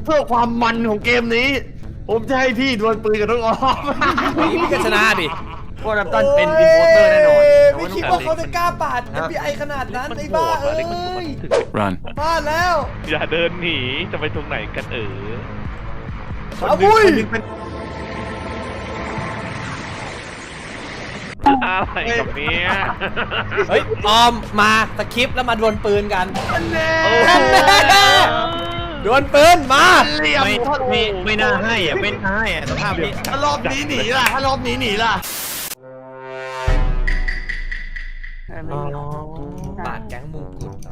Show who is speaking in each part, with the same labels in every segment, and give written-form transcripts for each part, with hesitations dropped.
Speaker 1: พื่อความมันของเกมนี้ ผมจะให้พี่ดวลปืนกับน้องออม
Speaker 2: พี่ก็ชนะดิ
Speaker 1: เพราะแรมตันเป็นอินโพสเตอร์แน่นอน
Speaker 3: ไม่คิดว่าเขาจะกล้าปาด FBI ขนาดนั้นไอ้บ้าเอ้ย
Speaker 4: Run
Speaker 3: พลาดแล้ว
Speaker 5: อย่าเดินหนีจะไปตรงไหนกัน
Speaker 3: อาวุ้ย
Speaker 5: อะไรกับเนี้ย
Speaker 2: เฮ้ยออมมาสคริปต์แล้วมาดวลปืนกัน
Speaker 1: แน่
Speaker 2: ดวลปืนมา
Speaker 1: เหลี่ยม
Speaker 4: ไม่น่าให้อ่ะไม่น่าให้อ่ะสภาพนี้
Speaker 1: ถ้ารอบนี้หนีล่ะถ้ารอบนี้หนีล่ะ
Speaker 2: ปาดแก๊งมุงกุฎเหรอ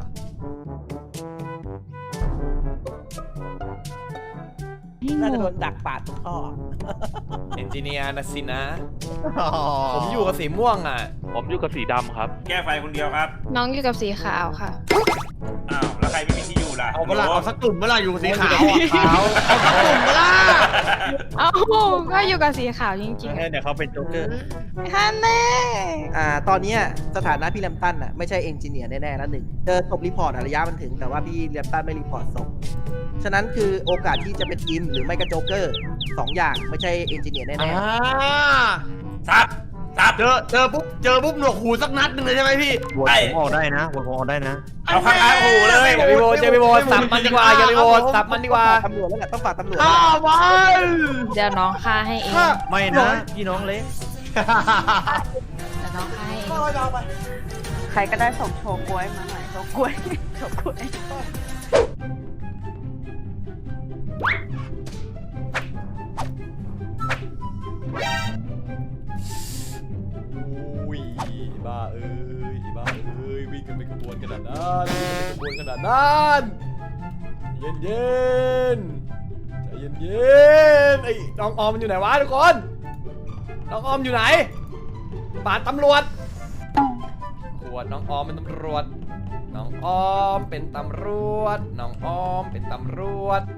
Speaker 2: น่าจะโดนดักปาดทุกข้อเอนจิเนียร์นะสินะ ผมอยู่กับสีม่วงอ่ะ
Speaker 5: ผมอยู่กับสีดำครับ
Speaker 6: แก้ไฟคนเดียวครับ
Speaker 7: น้องอยู่กับสีขาวค่ะ
Speaker 6: อ้าว แล้วใครไม่มีที่อยู่ล่ะ
Speaker 1: เอาเวลาเอาสักกลุ่มเวลาอยู่สีขาวเอาสักกลุ่มเวลา
Speaker 7: เอ้าก็อยู่กับสีขาวจริง
Speaker 4: เดี๋ยวเขาเป็นโจ๊กเกอร์
Speaker 7: ๆฮันแน่
Speaker 3: ตอนเนี้ยสถานะพี่แรมตันอ่ะไม่ใช่เอนจิเนียร์แน่ๆแล้วหนึ่งเจอศพรีพอร์ตระยะมันถึงแต่ว่าพี่แรมตันไม่รีพอร์ตศพฉะนั้นคือโอกาสที่จะเป็นอินหรือไม่ก็โจ๊กเกอร์2อย่างไม่ใช่เอนจิเนียร์แน่ๆ
Speaker 6: ซับซับ
Speaker 1: เจอปุ๊บหนวกหูสักนัดหนึ่งเลยใช่ไหมพี่
Speaker 4: โหวตผมออกได้นะโหวตผมออกได้นะ
Speaker 6: เอาข้างๆหูเลย
Speaker 2: อย่าไปโหวตอย่าไปโหวตสับมันดีกว่าอย่าไปโหวตสับมันดีกว่า
Speaker 3: ตำรวจแล้วแหละต้องฝากตำรวจ
Speaker 1: ฆ่ามัน
Speaker 7: เดี๋ยวน้องฆ่าให้เอง
Speaker 4: ไม่นะพี่น้องเล็ก
Speaker 7: เดี๋ยวน้องฆ่าให้เอง
Speaker 8: ใครก็ได้ส่งโชว์กล้วยมาหน่อยโชว์กล้วยโชว์กล้วย
Speaker 2: อุ้ยบ้าเอ้ยบ้าเอ้ยวิ่งกันเป็นขบวนขนาดนั้นวิ่งกันเป็นขบวนขนาดนั้นเย็นเย็นใจเย็นเย็นไอ้น้องออมมันอยู่ไหนวะทุกคนน้องออมอยู่ไหนปาดตำรวจขวดน้องออมเป็นตำรวจน้องออมเป็นตำรวจน้องออมเป็นตำรวจ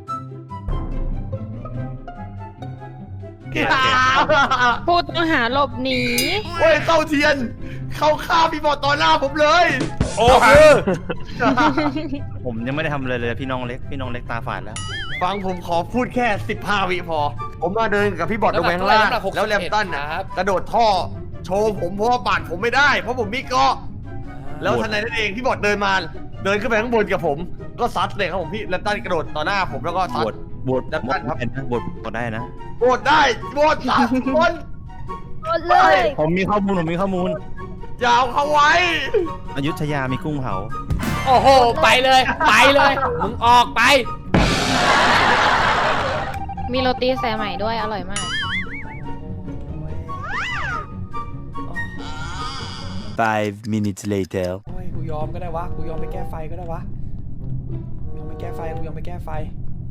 Speaker 7: พูดต้องหาหลบหนี
Speaker 1: โอ้ยเต้าเทียน เขาฆ่าพี่บอดต่อหน้าผมเลย
Speaker 6: โอ้
Speaker 2: คือ
Speaker 4: ผมยังไม่ได้ทำอะไรเลยพี่น้องเล็กตาฝาดแล้ว
Speaker 1: ฟังผมขอพูดแค่15 วิพอ ผมมาเดินกับพี่บอดลงไปข้างล่างแล้วแรมตันน่ะกระโดดท่อ โชว์ผมเพราะว่าปาดผมไม่ได้ เพราะผมมีเกราะแล้วทันใดนั้นเองพี่บอดเดินมา เดินขึ้นไปข้างบนกับผม ก็ซัดเลยครับผมพี่แรมตันกระโดดต่อหน้าผมแล้วก็ซัด
Speaker 4: บวชได้นะ
Speaker 1: โหวตได้โหวตสามคน
Speaker 7: หมดเลย
Speaker 4: ผมมีข้อมูล
Speaker 1: ยาวเขาไว้
Speaker 4: อยุธยามีกุ้งเผา
Speaker 2: โอ้โหไปเลยมึงออกไป
Speaker 7: มีโรตีสายใหม่ด้วยอร่อยมาก
Speaker 4: 5 minutes later
Speaker 2: โอ้ยกูยอมก็ได้วะกูยอมไปแก้ไฟก็ได้วะยอมไปแก้ไฟกูยอมไปแก้ไฟ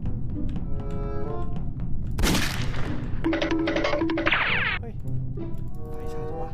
Speaker 2: เฮ้ยไฟชาร์จวะ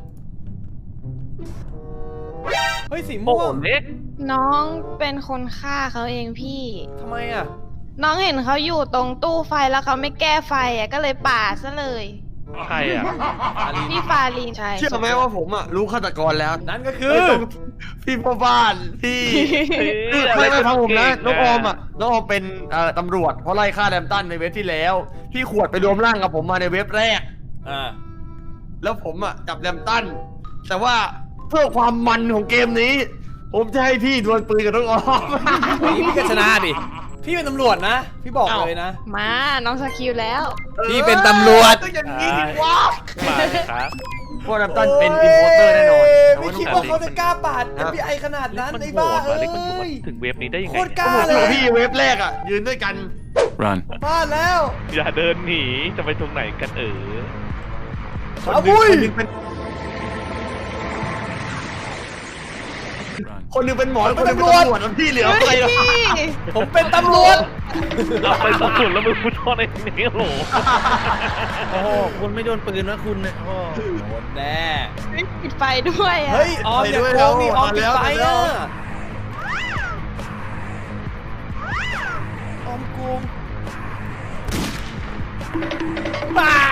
Speaker 2: เฮ้ยสีม่วง
Speaker 5: เล็ก
Speaker 7: น้องเป็นคนฆ่าเขาเองพี่
Speaker 2: ทำไมอ่ะ
Speaker 7: น้องเห็นเขาอยู่ตรงตู้ไฟแล้วเขาไม่แก้ไฟอ่ะก็เลยปาดซะเลย
Speaker 5: ใครอ่ะ
Speaker 7: พี่ฟาลีนใช่
Speaker 1: เชื่อไหมว่าผมอ่ะรู้ฆาตกรแล้ว
Speaker 2: นั่นก็คือ
Speaker 1: พี่พ่อบ้านพี่ไม่ฟังผมนะน้องออมอ่ะน้องออมเป็นตำรวจเพราะไล่ฆ่าแรมตันในเว็บที่แล้วพี่ขวดไปรวมร่างกับผมมาในเว็บแรก
Speaker 2: อ่า
Speaker 1: แล้วผมอ่ะจับแรมตันแต่ว่าเพื่อความมันของเกมนี้ ผมจะให้พี่ดวลปืนกับน้องออม
Speaker 2: พี่ก็ชนะดิพี่เป็นตำรวจนะพี่บอกเลยนะ
Speaker 7: มาน้องสกิลแล้ว
Speaker 2: พี่เป็นตำรวจ
Speaker 1: ก็อย่างนี้ดิวะ
Speaker 5: มาครับ
Speaker 1: เพราะแรมตันเป็นอินโพสเตอร์แน่นอน
Speaker 3: ไม่คิดว่าเขาจะกล้าปาด FBI ขนาดนั้นไอ้บ้าเอ้
Speaker 5: เล็กมันอยู่
Speaker 3: ย
Speaker 5: ถึงเว็บนี้ได้ยัง
Speaker 3: โค
Speaker 5: ไง
Speaker 3: ตรกล้าเล
Speaker 1: โอ้
Speaker 3: ย
Speaker 1: พี่เว็บแรกอ่ะยืนด้วยกัน
Speaker 4: Run
Speaker 3: พลาดแล้ว
Speaker 5: อย่าเดินหนีจะไปตรงไหนกัน
Speaker 3: อาวุ้ย
Speaker 1: คนหนึงเป็นหมอคนหนึงเป็นตำรวจแล้วพี่เหลือใครล่ะ
Speaker 2: ผมเป็นตำรวจ
Speaker 5: เอาไปตำรวจแล้วมึงพูดท่อในนี้โหล
Speaker 4: โอ้โหคุณไม่โดนปืนนะคุณเนี่ยโอ้
Speaker 2: โดนแน่
Speaker 7: ปิดไฟด้วยอ่ะ
Speaker 2: เฮ้ยออมอย่าโกงนี่ออมปิดไฟอ่ะออมโกงบ้า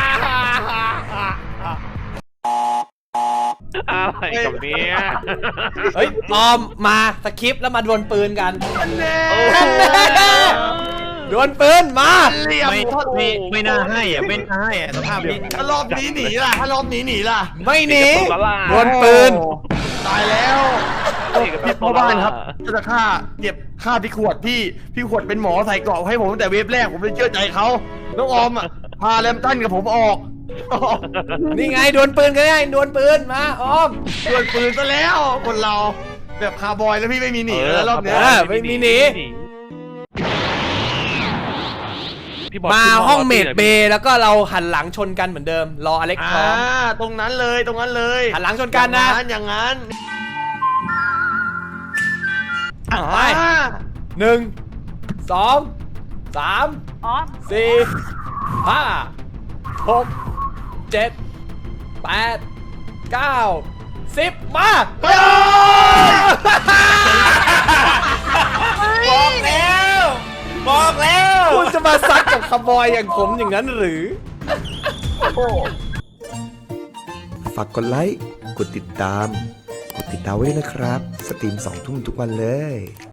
Speaker 5: อะไรกับเนี้ย
Speaker 2: เฮ้ยออมมาสคริปต์แล้วมาดวลปืนกัน
Speaker 1: แน่
Speaker 2: ดดวลปืนมา
Speaker 1: เหลี่ยม
Speaker 4: ไม่น่าให้อ่ะไม่น่าให้อ่ะสภาพนี้
Speaker 1: ถ้ารอบนี้หนีล่ะถ้ารอบนี้หนีล่ะ
Speaker 2: ไม่หนี
Speaker 5: ตลาด
Speaker 2: ดวลปืน
Speaker 1: โอ้ตายแล้วพี่พ่อบ้านครับจะฆ่าเก็บฆ่าพี่ขวดพี่ขวดเป็นหมอใส่เกราะให้ผมตั้งแต่เวฟแรกผมเลยเชื่อใจเขาน้องออมอ่ะพาแรมตันกับผมออก
Speaker 2: นี่ไงดวลปืนกันไงดวลปืนมาออม
Speaker 1: ดวลปืนซะแล้วคนเราแบบคาร์บอยแล้วพี่ไม่มีหนีแล้วรอบเนี้ย
Speaker 2: ไม่มีหนี
Speaker 5: พี่บอล
Speaker 2: มาห้องเมดเบย์แล้วก็เราหันหลังชนกันเหมือนเดิมรออเล็กพร้อม
Speaker 1: ตรงนั้นเลยหัน
Speaker 2: หลังชนกันนะ
Speaker 1: อย่างนั้น
Speaker 2: ไป 1 2 3
Speaker 8: อ๋อ
Speaker 2: 4 5 6 7 8 9 10 มา
Speaker 6: บอกแล้วบอกแล้ว
Speaker 2: คุณจะมาซัดกับคาร์บอยอย่างผมอย่างนั้นหรือ
Speaker 9: ฝากกดไลค์ กดติดตามไว้ด้วยนะครับ สตรีม2 ทุ่มทุกวันเลย